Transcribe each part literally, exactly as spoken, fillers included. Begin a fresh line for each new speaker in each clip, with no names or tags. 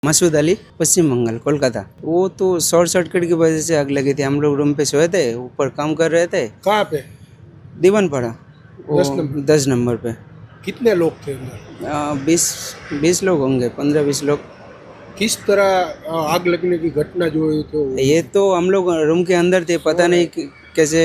मसूद अली, पश्चिम बंगाल, कोलकाता। वो तो short circuit की वजह से आग लगी थी। हम लोग रूम पे सोए थे, ऊपर काम कर रहे थे।
कहाँ पे?
दीवानपाड़ा,
दस नंबर।
दस नंबर पे।
कितने लोग थे अंदर?
बीस बीस लोग होंगे, पंद्रह बीस लोग।
किस तरह आ, आग लगने की घटना जो हुई तो
ये तो हम लोग रूम के अंदर थे, पता नहीं कि- कैसे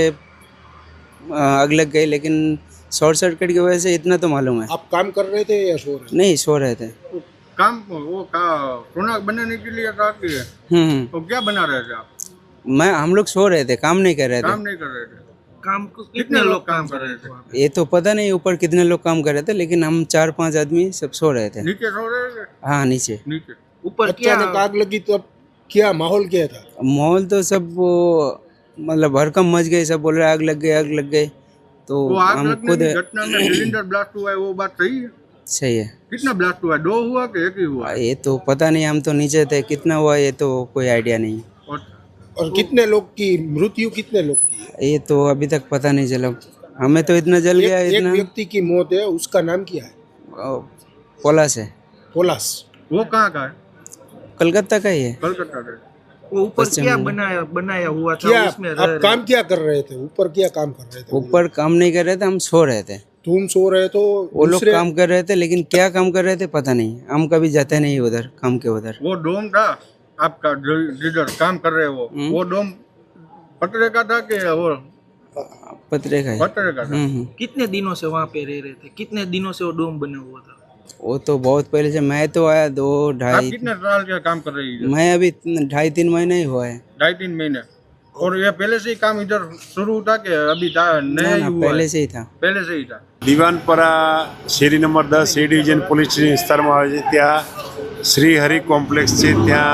आ, आग लग गई, लेकिन शॉर्ट सर्किट की वजह से इतना तो मालूम है।
आप काम कर रहे थे या सो रहे थे?
नहीं, सो रहे थे।
काम वो का सोना बनाने के लिए था कि
हम्म हम्म।
तो क्या बना रहे थे आप?
मैं हम लोग सो रहे थे, काम नहीं कर रहे
काम
थे।
नहीं कर रहे थे।
काम को
कितने लोग काम कर रहे थे?
ये तो पता नहीं ऊपर कितने लोग काम कर रहे थे, लेकिन हम चार पांच आदमी सब सो रहे थे।
नीचे सो रहे थे?
हाँ, नीचे।
नीचे
ऊपर क्या
अचानक आग लगी तो अब क्या माहौल क्या था?
माहौल तो सब वो मतलब भरकम मच गए, सब बोल रहे आग लग गई, आग लग गई। तो
वो आग
हम
लगने
खुद
की घटना में सिलेंडर ब्लास्ट हुआ है, वो बात सही है?
सही है।
कितना ब्लास्ट हुआ है? दो हुआ कि एक ही हुआ?
ये तो पता नहीं, हम तो नीचे थे, कितना हुआ ये तो कोई आइडिया नहीं।
और
और कितने लोग की मृत्यु कितने लोग की है?
ये तो अभी तक पता नहीं चला। हमें तो इतना जल
एक,
गया,
एक
इतना।
व्यक्ति की मौत है, उसका नाम क्या है?
पोला से,
पोलास।
वो कहाँ का है?
कलकत्ता का ही है।
कलकत्ता का है।
वो ऊपर
पश्चिम
क्या
बंगाल।
बनाया बनाया हुआ था
क्या
उसमें रह
आप
रहे
काम क्या कर रहे थे? ऊपर क्या काम कर रहे थे?
ऊपर काम नहीं कर रहे थे, हम सो रहे थे।
तुम सो रहे तो
वो लोग
दूसरे
काम कर रहे थे, लेकिन क्या काम कर रहे थे पता नहीं। हम कभी जाते नहीं उधर काम के उधर।
वो डोम था आपका जो जिधर काम कर रहे हो,
हम्म।
वो डोम पतरे का था कि वो
पतरे का है।
पतरे का था?
हम्म हम्म।
कितने दिनों से वहाँ पे रह रहे थे? कितने दिनों से वो डोम बना हुआ था?
वो तो बहुत पहले से। मैं तो आया दो
आप
ढाई
कितने साल के काम कर रही है?
मैं अभी ढाई तीन महीने ही हुआ है।
ढाई तीन महीने। और ये पहले से ही काम इधर शुरू था कि अभी था नया
ना
ही
ना,
हुआ
पहले
है?
से ही था।
पहले से ही था।
દીવાનપરા શેરી નંબર દસ એ ડિવિઝન પોલીસ વિસ્તારમાં આવે છે। ત્યાં શ્રી હરિ કોમ્પ્લેક્સ છે, ત્યાં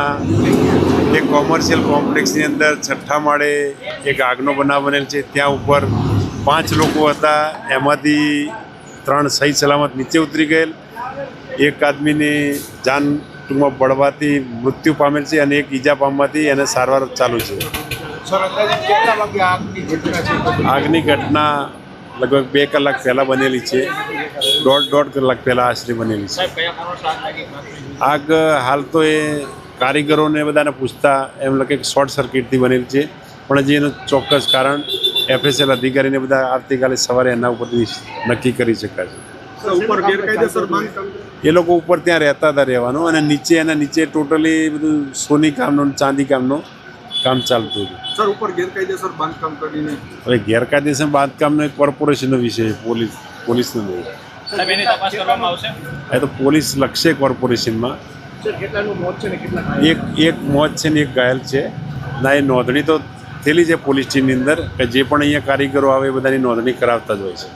એક કોમર્શિયલ કોમ્પ્લેક્સની અંદર છઠ્ઠા માળે એક આગનો બનાવ બનેલ છે। ત્યાં ઉપર પાંચ લોકો હતા, એમાંથી ત્રણ સહી સલામત નીચે ઉતરી ગયેલ। એક આદમીની જાન ટૂંકમાં બળવાથી મૃત્યુ પામેલ છે અને એક ઈજા પામવાથી એને સારવાર ચાલુ છે।
સર અંદાજે કેટલા વાગે આગની ઘટના છે?
આગની ઘટના લગભગ બે કલાક પહેલાં બનેલી છે, દોઢ દોઢ કલાક પહેલાં આશરે બનેલી છે। આગ હાલ તો એ કારીગરોને બધાને પૂછતા એમ લાગે કે શોર્ટ સર્કિટથી બનેલી છે, પણ હજી એનું ચોક્કસ કારણ એફએસએલ અધિકારીને બધા આવતીકાલે સવારે એના ઉપરથી નક્કી કરી શકાશે।
ઉપર ગેરકાયદેસર બાંધકામ
એ લોકો ઉપર ત્યાં રહેતા હતા રહેવાનું, અને નીચે એના નીચે ટોટલી બધું સોની કામનું ને ચાંદી કામનું કામ ચાલતું હતું।
સર ઉપર ગેરકાયદેસર બાંધકામ કરીને
હવે ગેરકાયદેસર બાંધકામનો એક કોર્પોરેશનનો વિષય છે, પોલીસ પોલીસનો નહીં। એ તો પોલીસ લખશે કોર્પોરેશનમાં। એક એક મોત છે ને એક ઘાયલ છે ના, એ નોંધણી તો થયેલી છે પોલીસ ટીમની અંદર કે જે પણ અહીંયા કારીગરો આવે એ બધાની નોંધણી કરાવતા જ હોય છે।